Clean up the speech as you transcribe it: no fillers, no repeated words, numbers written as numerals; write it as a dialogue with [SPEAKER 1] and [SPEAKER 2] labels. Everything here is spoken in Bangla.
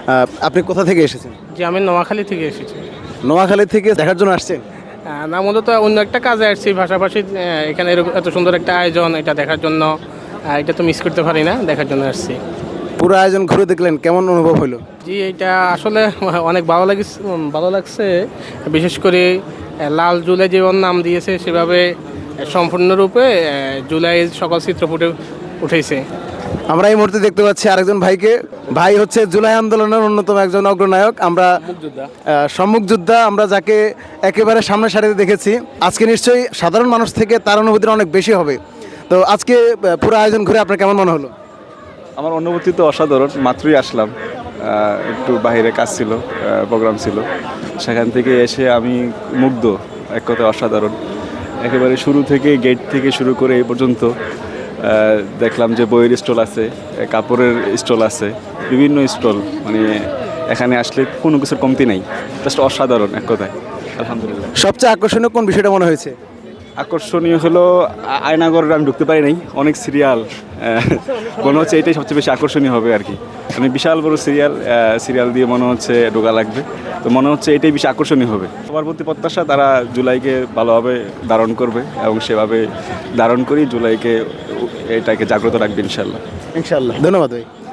[SPEAKER 1] আপনি কোথা থেকে এসেছেন?
[SPEAKER 2] জি, আমি নোয়াখালী থেকে এসেছি।
[SPEAKER 1] নোয়াখালী থেকে দেখার জন্য আসছেন?
[SPEAKER 2] না, মূলত অন্য একটা কাজে আসছি, পাশাপাশি এখানে এত সুন্দর একটা আয়োজন, এটা দেখার জন্য। এটা তো মিস করতে পারি না, দেখার জন্য আসছি।
[SPEAKER 1] পুরো আয়োজন ঘুরে দেখলেন, কেমন অনুভব হলো?
[SPEAKER 2] জি, এটা আসলে অনেক ভালো লাগছে। বিশেষ করে লাল জুলাই যেমন নাম দিয়েছে, সেভাবে সম্পূর্ণরূপে জুলাইয়ের সকল চিত্র ফুটে উঠেছে।
[SPEAKER 1] আমরা এই মুহূর্তে দেখতে পাচ্ছি আরেকজন ভাইকে। ভাই হচ্ছে জুলাই আন্দোলনের অন্যতম একজন অগ্রনায়ক। আমরা সম্মুখ যোদ্ধা, আমরা যাকে একেবারে সামনের সারিতে দেখেছি। আজকে নিশ্চয়ই সাধারণ মানুষ থেকে তার অনুভূতিটা অনেক বেশি হবে। তো আজকে পুরো আয়োজন ঘুরে আপনার কেমন মনে হলো?
[SPEAKER 3] আমার অনুভূতি তো অসাধারণ। মাত্রই আসলাম, একটু বাইরে কাজ ছিল, প্রোগ্রাম ছিল, সেখান থেকে এসে আমি মুগ্ধ। এক কথায় অসাধারণ। একেবারে শুরু থেকে, গেট থেকে শুরু করে এই পর্যন্ত দেখলাম যে বইয়ের স্টল আছে, কাপড়ের স্টল আছে, বিভিন্ন স্টল। মানে এখানে আসলে কোনো কিছুর কমতি নাই, জাস্ট অসাধারণ এক কথায়। আলহামদুলিল্লাহ।
[SPEAKER 1] সবচেয়ে আকর্ষণীয় কোন বিষয়টা মনে হয়েছে?
[SPEAKER 3] আকর্ষণীয় হলো আয়নাগরে আমি ঢুকতে পারি নাই, অনেক সিরিয়াল। মনে হচ্ছে এটাই সবচেয়ে বেশি আকর্ষণীয় হবে আর কি। মানে বিশাল বড় সিরিয়াল দিয়ে মনে হচ্ছে ঢোকা লাগবে। তো মনে হচ্ছে এটাই বেশি আকর্ষণীয় হবে। সবার প্রতি প্রত্যাশা, তারা জুলাইকে ভালোভাবে ধারণ করবে এবং সেভাবে ধারণ করি জুলাইকে, এটাকে জাগ্রত রাখবে ইনশাল্লাহ।
[SPEAKER 1] ইনশাআল্লাহ। ধন্যবাদ ভাই।